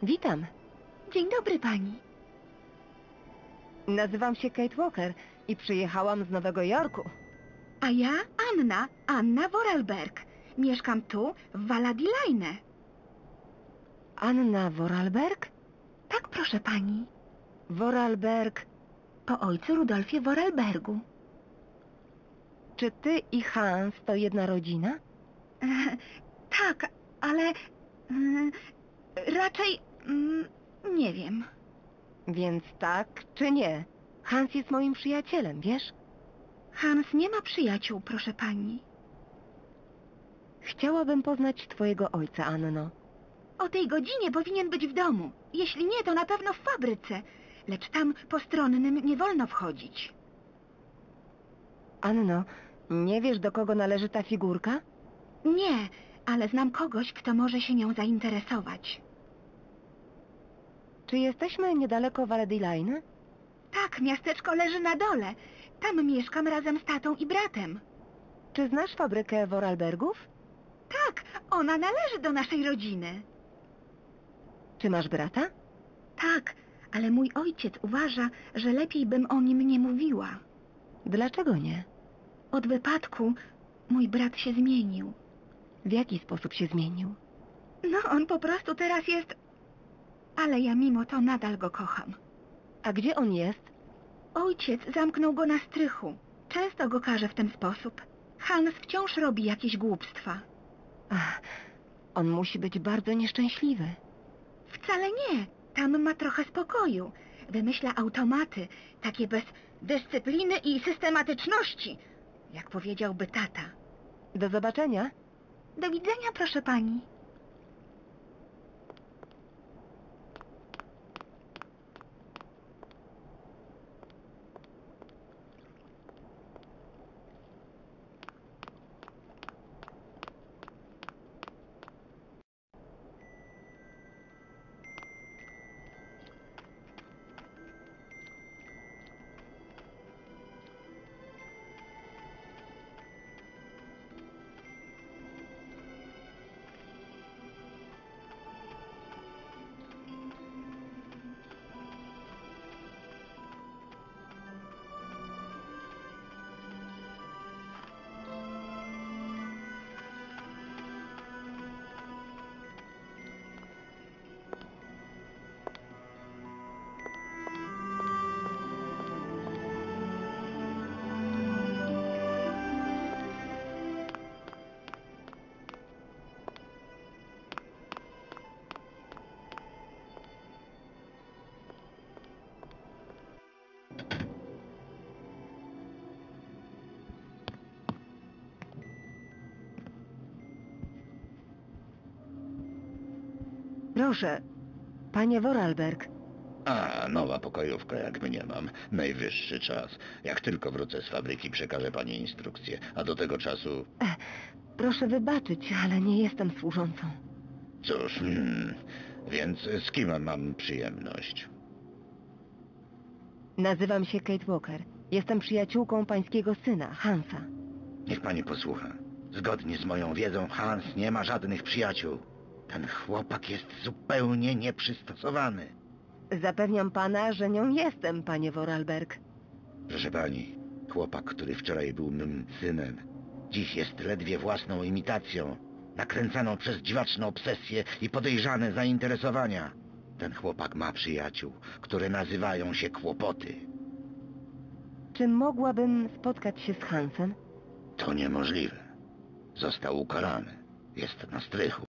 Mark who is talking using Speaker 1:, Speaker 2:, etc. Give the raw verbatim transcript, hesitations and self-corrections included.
Speaker 1: Witam.
Speaker 2: Dzień dobry pani.
Speaker 1: Nazywam się Kate Walker i przyjechałam z Nowego Jorku.
Speaker 2: A ja Anna, Anna Vorarlberg. Mieszkam tu, w Valladolid.
Speaker 1: Anna Vorarlberg?
Speaker 2: Tak, proszę pani.
Speaker 1: Vorarlberg.
Speaker 2: Po ojcu Rudolfie Vorarlbergu.
Speaker 1: Czy ty i Hans to jedna rodzina?
Speaker 2: E, tak, ale... E, raczej... Mm, nie wiem.
Speaker 1: Więc tak czy nie? Hans jest moim przyjacielem, wiesz?
Speaker 2: Hans nie ma przyjaciół, proszę pani.
Speaker 1: Chciałabym poznać twojego ojca, Anno.
Speaker 2: O tej godzinie powinien być w domu. Jeśli nie, to na pewno w fabryce. Lecz tam postronnym nie wolno wchodzić.
Speaker 1: Anno, nie wiesz, do kogo należy ta figurka?
Speaker 2: Nie, ale znam kogoś, kto może się nią zainteresować.
Speaker 1: Czy jesteśmy niedaleko Valladolid?
Speaker 2: Tak, miasteczko leży na dole. Tam mieszkam razem z tatą i bratem.
Speaker 1: Czy znasz fabrykę Vorarlbergów?
Speaker 2: Tak, ona należy do naszej rodziny.
Speaker 1: Czy masz brata?
Speaker 2: Tak, ale mój ojciec uważa, że lepiej bym o nim nie mówiła.
Speaker 1: Dlaczego nie?
Speaker 2: Od wypadku mój brat się zmienił.
Speaker 1: W jaki sposób się zmienił?
Speaker 2: No, on po prostu teraz jest... Ale ja mimo to nadal go kocham.
Speaker 1: A gdzie on jest?
Speaker 2: Ojciec zamknął go na strychu. Często go karze w ten sposób. Hans wciąż robi jakieś głupstwa.
Speaker 1: Ach, on musi być bardzo nieszczęśliwy.
Speaker 2: Wcale nie. Tam ma trochę spokoju. Wymyśla automaty, takie bez dyscypliny i systematyczności, jak powiedziałby tata.
Speaker 1: Do zobaczenia.
Speaker 2: Do widzenia, proszę pani.
Speaker 1: Proszę, panie Vorarlberg.
Speaker 3: A, nowa pokojówka, jak mnie mam. Najwyższy czas. Jak tylko wrócę z fabryki, przekażę pani instrukcję. A do tego czasu...
Speaker 1: E, proszę wybaczyć, ale nie jestem służącą.
Speaker 3: Cóż, hmm, więc z kim mam przyjemność?
Speaker 1: Nazywam się Kate Walker. Jestem przyjaciółką pańskiego syna, Hansa.
Speaker 3: Niech pani posłucha. Zgodnie z moją wiedzą, Hans nie ma żadnych przyjaciół. Ten chłopak jest zupełnie nieprzystosowany.
Speaker 1: Zapewniam pana, że nią jestem, panie Vorarlberg.
Speaker 3: Proszę pani, chłopak, który wczoraj był mym synem, dziś jest ledwie własną imitacją, nakręcaną przez dziwaczne obsesje i podejrzane zainteresowania. Ten chłopak ma przyjaciół, które nazywają się kłopoty.
Speaker 1: Czy mogłabym spotkać się z Hansem?
Speaker 3: To niemożliwe. Został ukarany. Jest na strychu.